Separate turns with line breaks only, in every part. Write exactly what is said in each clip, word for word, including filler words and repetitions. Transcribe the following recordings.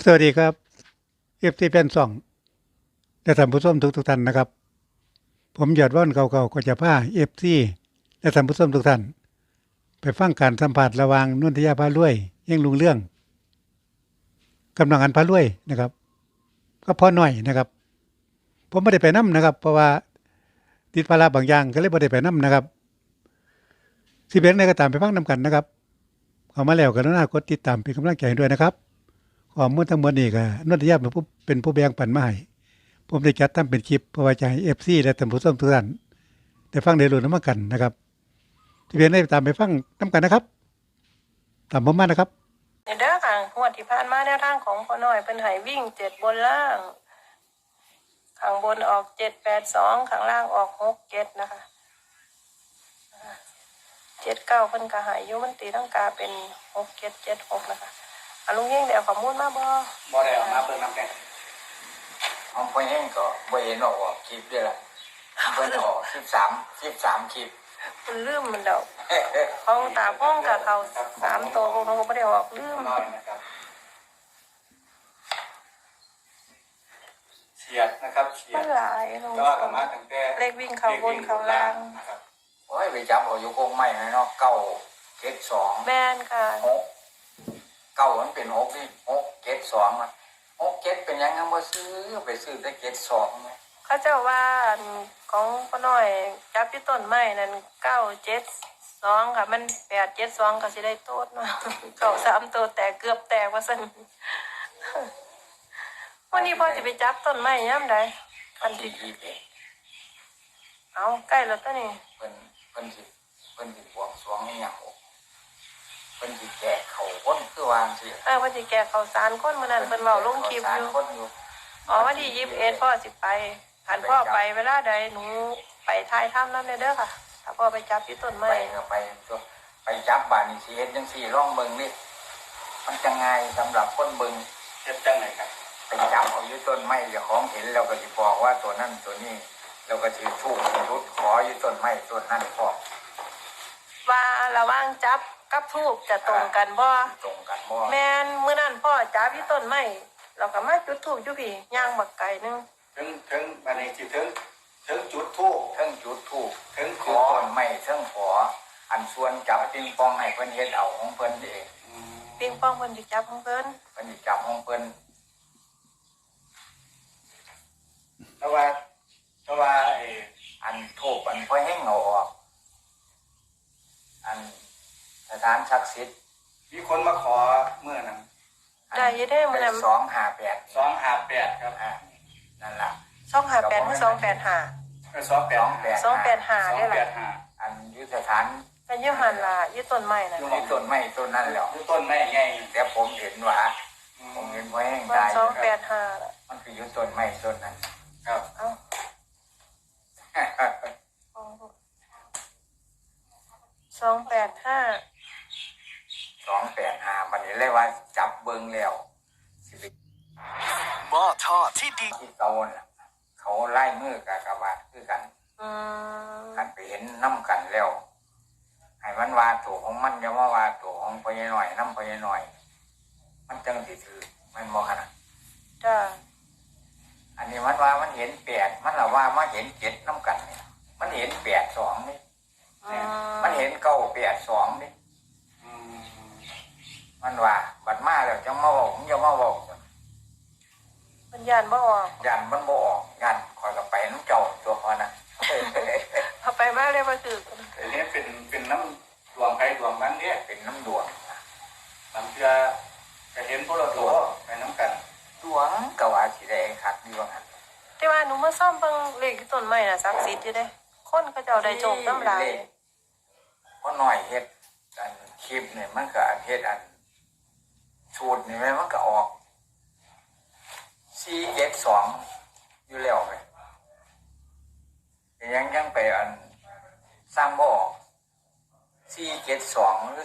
สวัสดีครับเอฟซีแฟนซองและท่านผู้ชมทุกทุกท่านนะครับผมยอดว่านเก่าๆก็จะพาเอฟซีและท่านผู้ชมทุกท่านไปฟังการสัมผัสระหว่างนุ่นทยาพารวยเย่งลุงเรื่องกำลังอันพารวยนะครับก็พอหน่อยนะครับผมไม่ได้ไปนํนะครับเพราะว่าติดภาระบางอย่างก็เลยไม่ได้ไปนํนะครับสิเป็นในก็ตามไปฟังนํกันนะครับเข้ามาแล้วกรุณากดติดตามเป็นกำลังใจให้ด้วยนะครับข้อมูลทั้งหมดนี้ก็นุ่นทยาเป็นผู้เป็นผู้แบ่งปันมาให้ผมได้จัดทำเป็นคลิปเพื่อไว้จะให้ เอฟ ซี และท่านผู้ชมทุกท่านได้ฟังได้รู้นำกันนะครับที่เพียงได้ตามไปฟังนำกันนะครับตามผมมานะครับ
ในเด้อค่ะงวดที่ผ่านมาแนวทางของพ่อน้อยเป็นให้วิ่งเจ็ดบนล่างข้างบนออกเจ็ดแปดสองข้างล่างออกหกเจ็ดนะคะเจ็ดเก้าเพิ่นก็หายอยู่มันตีตั้งกาเป็นหกเจ็ดเจ็ดหกนะคะอ่ะลุงยิ่งเดี๋ยวข้อมูลมาบ่
บ่ได้ออกมาเพิ่นนำแก่ของพ่อเองก็บ่เห็นออกคลิปด้วยล่ะเพิ่นออกสิบสาม สิบสามคลิป
มันลืมมันเดาของตาพ้องกับเขาสามตัวของเขาไม่ได้ออกลืม
น้อยนะครับเฉียดนะครับเฉีย
มั
ด
นหลายลง
ก็ว่ากันมาตั้งแต่
เลขวิ่งเขาบนเขาล่าง
นะครับโอ้ยไปจับเอาอยู่คงไม่เนาะเก้าเจ็ดสอง
แบนค่ะ
หกเก้ามันเป็นหกนี่หกเจ็ดสองมันหกเจ็ดเป็นยังไงบ่ซื้อไปซื้อได้เจ็ดสองมั้ย
เขาเจ้าว่าของพ่อน้อยจับที่ต้นไม้นั่นเก้าเจ็ดสองค่ะมันแปดเจ็ดสองก็สิได้โต๊ดเนาะเก้าสามตัวแตกเกือบแตกว่าซั่นวันนี้พ่อจะไปจับต้นไม้ย่ำใด
วันที่ยี่สิบเอ็ด
เอาใกล้แล้วตัวนี้
เพิ่นเพิ่นสิเพิ่นสิบวงสรวงให้หยังเพิ่นสิแจกเขาคนคือวางสิ
เออเพิ่นสิแก่ข้าวสารคนมื้อนั้นเพิ่นเว้าลงคลิปอยู่อ๋อวันที่ยี่สิบเอ็ดพ่อสิไปคันพ่อไปเวลาใดหนูไปถ่ายทำนำเด้อค่ะถ้าพ่อไปจับที่ต้นไม้
ไปก็ไปตัวไปจับบ้านนี่สิเฮ็ดจังซี่ลองเบิ่งดิมันจะง่ายสำหรับคนเบิ่งเฮ็ดจังได๋ครับไปจับเอาอยู่ต้นไม้เจ้าของเห็นแล้วก็สิบอกว่าตัวนั้นตัวนี้แล้วก็สิทูบรุดขออยู่ต้นไม้ต้นนั้นพอ
ว่าระหว่างจับกับทูบจะตรงกันบ่
ตรงกันบ่
แม่นมื้อนั้นพ่อจับที่ต้นไม้เราก็มาจุดธูปอยู่พี่ย่างบักไก่นึง
ถึงถึงบัดนี้สิถึงถึงจุดธูปถึงจุดธูปถึงขอต้นไม้ถึงขออันส่วนจับปิงปองให้เพิ่นเฮ็ดเอาของเพิ่นเอง
ปิงปองเพิ่นสิจับของเพิ่น
เพิ่นสิจับของเพิ่นแต่ว่าแต่ว่าไอ้อันทูปอันพ่อแห้งเอาออกอันสถานศักดิ์สิทธิ์มีคนมาขอเมื่อนั้น
ได้ยินได้มื้อนั้น
สองห้าแปด สองห้าแปดครับอ่านั่นล่ะ
สองห้าแปดหรือสองแปดห้า
เออสองแปด
สองแปดห้าได้ล่ะ
อันอยู่สถาน
ก็อยู่หั่นล่ะอยู่ต้นไม้น่ะ
อยู่ต้นไม้ต้นนั้นแล้วอยู่ต้นไม้ไงแต่ผมเห็นว่าผมเห็นไว้ให้ได้
สองแปดห้าล่ะ
มันคืออยู่ต้นไม้ต้นนั้นครับเอ้า
สองแปดห้า
สองแปดห้ามันนี่เลยว่าจับเบิ่งแล้ว
หม้อทอดที่ดี
ที่เก่าน่ะเขาไล่มือกากบาทคือกัน
อืม
กันไปเห็นน้ำกันแล้วให้มันว่าตัวของมันอย่ามาว่าตัวของพ่อใหญ่หน่อยน้ำพ่อใหญ่หน่อยมันจังสิถือมันบ่ขนาด
จ้า
อันนี้มันว่ามันเห็นแปดมันละว่ามาเห็นเจ็ดน้ำกันเนี่ยมันเห็นแปดสองนี่มันเห็นเก้าแปดสองนี่มันว่าบัดมาแล้วจังมาบอกผมจะมาบอก
มันยันบ่ออก
ยันมันบ่ออกยันคอยกับไปน้ำเจ้าตัวพอนะ
เอาไปมาเลยมาถือ
อันนี้เป็นเป็นน้ำดวงใครดวงมันเนี่ยเป็นน้ำดวงบางเทื่อจะเห็นพวกเราตัวไปน้ำกันดวงกว่าสีแดงขัดดีว่างั้น
แต่ว่าหนูมาซ่อมเบิ่งเลขที่ต้นไม้น่ะศักดิ์สิทธิ์อยู่เด้คนเขาเจ้าได้โชคน้ำลาย
เพราะหน่อยเฮ็ดอันคลิปเนี่ยมันก็อันเฮ็ดอันสูตรนี่มันก็ออกสี่เจ็ดสองอยู่แล้วไปยังยังไปอันสร้างบ่อสี่เจ็ดสองหรือ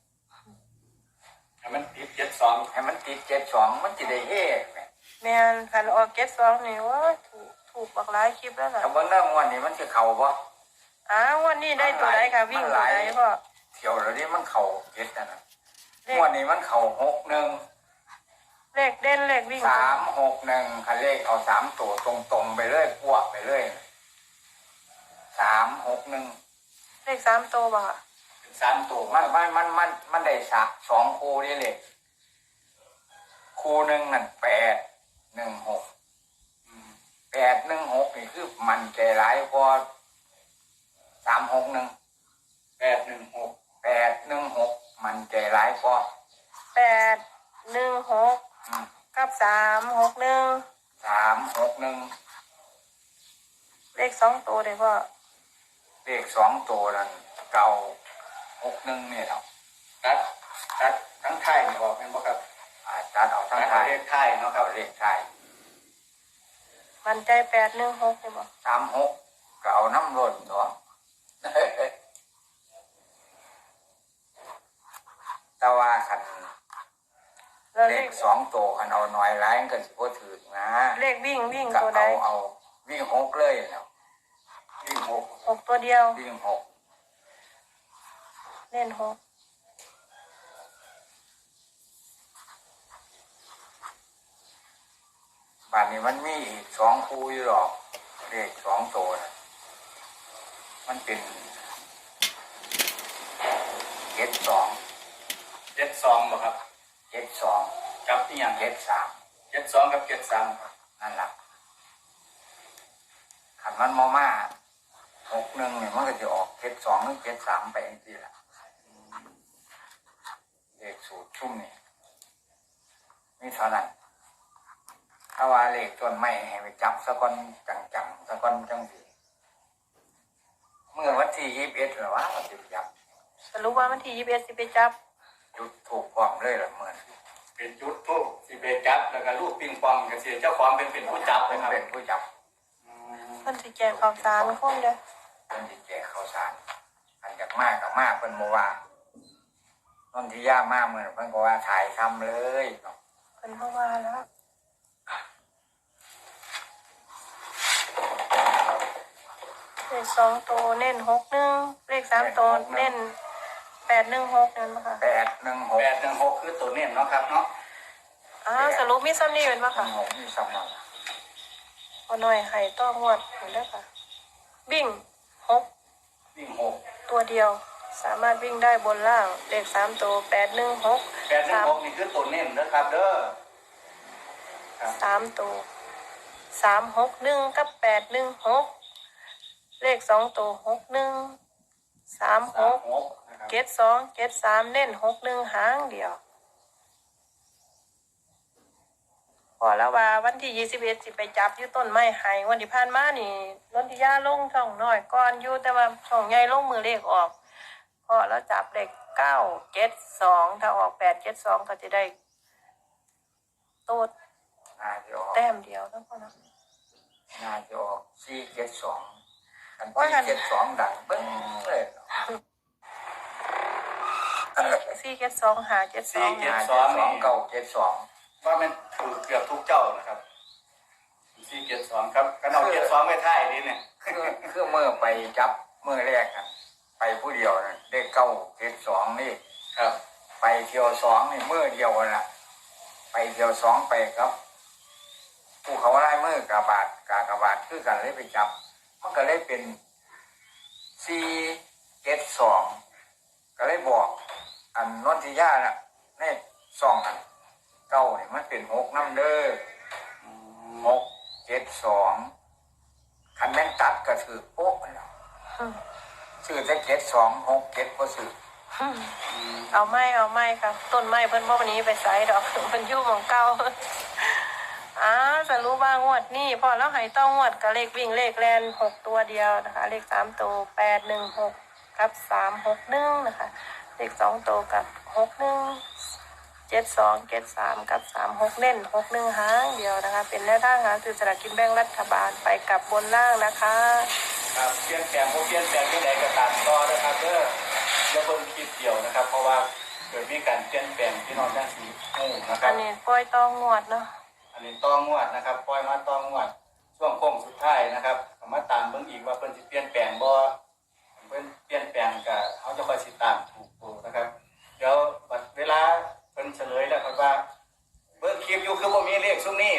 ให้มันติดเจ็ดสองให้มันติดเจ็ดสองมันจะได้เฮ่
แม่นคันออกเจ็ดสองนี่ว่าถูกถูกบักหลายคลิปแล้วล่ะ
แต่เบิ่งเรื่องวันนี้มันจะเข่าบ่
อ้าววันนี้ได้ตัวไหนค่ะวิ่งตัวไหนพ่อ
เที่ยวแล้วนี่มันเข่าเจ็ดนะวันนี้มันเข่าหกหนึ่ง
เลขขเด่นเลขวิ่ง
สามหกหนึ่งคันเลขเอาสามตัวตรงๆไปเลยพวกไปเลยสามหกหนึ่ง
เลขสามตัวบ่ค่ะ
สามตัวมันมันมันมันมันได้สักสองคู่นี่เลยคู่หนึ่งนั่นแปดหนึ่งหกแปดหนึ่งหกนี่คือมันใจร้ายกว่าสามหกหนึ่งแปดหนึ่งหกแปดหนึ่งหกมันใจร้ายกว่า
แปดหนึ่งหกกับสามหกหนึ่ง
สามหกหนึ่ง
เลขสองตัวเลยพ่อ
เลขสองตัวนั่นเก่าหกหนึ่งเนี่ยเราตัดตัดทั้งไทยนี่บอกเป็นบ่ครับอ่าตัดเอาทั้งไทยเลขไทยเนาะครับเลขไทย
มันใจแปดหนึ่งหกเลยบ่
สามหกก็เอาน้ำร้นตัว แต่ว่าคัน
แล้ว
เล
เล
ข
ข
สองตัวคันเอาน้อยร้ายก็สิบ่ถือนะ
เลขวิ่งวิ่ง
ก็
ตัวใด
เอาเอาวิ่งหกเลยเนาะวิ่งหก
หกตัวเดียว
วิ่งหก
เล่นหก
บ้านนี้มันมีอีกสองคู่อยู่หรอกเลขสองตัวนะมันเป็นเจ็ดสอง
เจ็ดสองบ่ครับ
เจ็ดสอง
กับอีหยัง
เจ็ดสาม
เจ็ดสองกับเจ็ดสามครับ
นั่นแหละขันมันมาม่าหกหนึ่งเนี่ยมันก็จะออกเจ็ดสองหรือเจ็ดสามไปเองทีละเลขสูตรชุ่มนี่นี่เท่านั้นถ้าว่าเลขต้นไม้ให้ไปจับสะก้อนจังๆสะก้อนจังสีเมื่อวันที่ยี่สิบเอ็ดหรือว่าวันที่จับ
สรุปว่าวันที่ยี่สิบเอ็ดสิไปจับ
จุดถูกความเลยหรือเหมือน
เป็นจุดทูบสิเบจับแล้วก็ลูกปิงปองกับเสียเจ้าของเป็นเป็นผู้จับ
เป็
นะ
น
ครับ
เป็นผู้จับ
อืม
เพิ่นสิแจกข่าวสารคนเด้อ
เป็นที่แจกข้าวสารอันจากมากกับมากเป็นโมว่าต้นที่ย่ามากเหมือนเพิ่นก็ว่าถ่ายทำเลยเนาะ
เพิ่นเข้ามาแล้วเลขสองตัวเน้นหกหนึ่งเลขสามตัวเน้นแปดหนึ่งหกนั่นบ่ค่ะ
แปดหนึ่งหก
แปดหนึ่งหกคือตัวเน้นเนาะครับเนาะ
อ้าวสรุปมีซ้ำนี่เป็นบ่
ห
ค่ะ
นึ่งหกนี่สำคัญ
พอหน่อยไข่ต้องงวดเห็นได้อค่ะ วิ่งหก
วิ่งหก
ตัวเดียว สามารถวิ่งได้บนล่างเลขสามตัวแปดหนึ่งหก
แปดหนึ่งหกนี่คือตัวเน้นนะครับเด้อครับ
สามตัวสามหกหนึ่งกับแปดหนึ่งหกเลขสองตัวหกหนึ่งสามห
สาม
ก
หกนะครับ
เจ็ดสองเจ็ดสามเน้นหกหนึ่งหางเดียวพอแล้วว่าวันที่ยี่สิบเอ็ดสิไปจับอยู่ต้นไม้ไห้วันที่ผ่านมานี่นนทิยาลงช่องน้อยก่อนอยู่แต่ว่าช่องใหญ่ลงมือเลขออกพอแล้วจับเลขเก้าเจ็ดสองถ้าออกแปดเจ็ดสองก็จะได้โต๊ด
น่าจะออก
แต้มเดียวแล้วก็นะ
น่าจะออกสี่เจ็ดสองกัน
ว่ากั
สี่
น
เจ็ดสองดังเบิ้งเลยเนาะ
สี่เจ็ดสองหาเจ็ดสอง
ห้าเจ็ดสองเก้าเจ็ดสอง
ว่ามันถูกเกือบทุกเจ้านะครับสี่เจ็ดสองครับกันเอาเจ็ดสองไม่ท่ายนี่เนี่ย
คือคือเมื่อไปจับเมื่อแรกกันไปผู้เดียวนะได้เก้าเจ็ดสองนี่
ครับ
ไปเที่ยวสองนี่มือเดียวน่ะไปเที่ยวสองไปครับผู้เขาไล่มือกระบาดกากระบาดคือกันเลยไปจับ มันก็เลยเป็นสี่เจ็ดสองก็เลยบอก อันนนทิยาน่ะในสองอันเก้าเนี่ยมันเป็นหกน้ำเด้อหกเจ็ดสองคันแม่นตัดก็ถือโป๊ะแล้วซื้อแต่เจ็ดสองหกเจ็ดก็ซื้อ
เอาไม้เอาไม้ค่ะต้นไม้เพิ่นบ่วันนี้ไปใส่ดอก เพิ่นอยู่หม่องเก่า อ้าจะรู้ว่างวดนี่พอแล้วให้ต้องงวดกับเลขวิ่งเลขแลนหกตัวเดียวนะคะ เลขสามตัวแปดหนึ่งหกกับสามหกหนึ่งนะคะ เลขสองตัวกับหกหนึ่งเจ็ดสองเจ็ดสามกับสามหกเน้นหกหนึ่งหางเดียวนะคะ เป็นแนวทางหาซื้อสลากกินแบ่งรัฐบาลไปกับบนล่างนะคะ
ครับเปลี่ยนแปลงพวกเปลี่ยนแปลงที่ไหนก็ตามต่อนะครับเด้ออย่าเพิ่งคิดเดียวนะครับ เพราะว่าเกิดมีการเปลี่ยนแปลงที่น้องแจ้งสีงูนะค
อั
รับ
นนี้ปล่อยต้องงวดเนาะ
อันนี้ต้องงวดนะครับปล่อยมาต้องงวดช่วงโค้งสุดท้ายนะครับก็มาตามเบิ่งอีกว่าเพิ่นสิเปลี่ยนแปลงบ่เพิ่นเปลี่ยนแปลงก็เขาจะคอยสิตามถูกตัวนะครับ เดี๋ยวบัดเวลาเพิ่นเฉลยแล้วครับว่าเบิ่งคลิปอยู่ค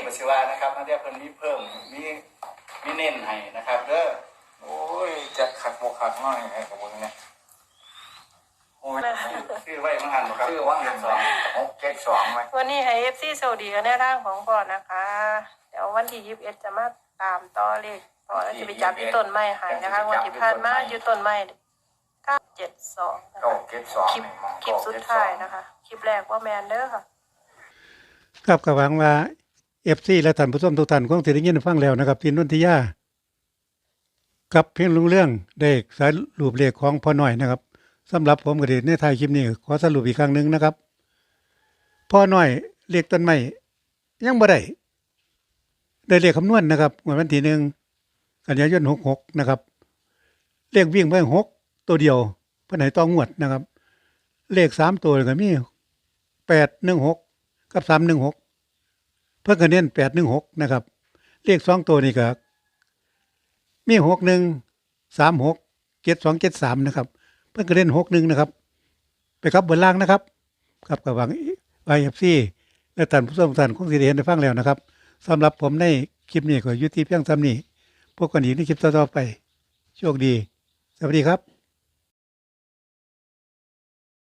ก็สิว่านะครับนักเรียนเพิ่นมีเพิ่มมีมีเน้นให้นะครับเด้อ
โอ้ยจะขัดโมขัดน้อยไงกับมึงเนี่ยโอ้ย
ชื่อไว้มาหันบ่ครับ
ชื่อว่าหันสองหกเจ็ดสองไหม
วันนี้ให้เอฟซีโซดีกันแนวทางของพ่อนะคะ เดี๋ยววันที่ยี่สิบเอ็ดจะมาตามต่อเลขพ่อแล้วจะไปจับที่ต้นไม้ใหายนะคะวันที่ผ่านมาอยู่ต้นไม้เก้าเจ็ดสองนะ
เก้า
คะ
เจ็ดสอง
คลิปคลิปสุดท้ายนะคะ คลิปแรกว่าแมนเด้อค่ะ
ครับก็หวังว่า เอฟ ซี และท่านผู้ชมทุกท่านคงสิได้ยินฟังแล้วนะครับพี่นนทิยากับเพียงลุงเรื่องได้สายรูปเลขของพ่อหน่อยนะครับสำหรับผมก็ได้ในท้ายคลิปนี้ขอสรุปอีกครั้งหนึงนะครับพ่อหน่อยเลขต้นไม้ยังบ่ได้ได้เลขคำนวณนะครับงวดวันที่หนึ่งกันยายนหกหกนะครับเลขวิ่งไปหกตัวเดียวเพิ่นให้ต้องงวดนะครับ เลขสามตัวก็มีแปดหนึ่งหกกับสามหนึ่งหกเพิ่นก็เน้นแปดหนึ่งหกนะครับเลขสองตัวนี่ก็มีหกหนึ่งสามหกเจ็ดสองเจ็ดสามนะครับเพิ่นก็เน้นหกหนึ่งนะครับไปครับบนล่างนะครับครับกับหวังไอเอฟซีและท่านผู้ชมทุกท่านคงสิได้เห็นได้ฟังแล้วนะครับสำหรับผมในคลิปนี้ก็อยู่ที่เพียงเท่านี้พบกันอีกในคลิปต่อๆไปโชคดีสวัสดีครับ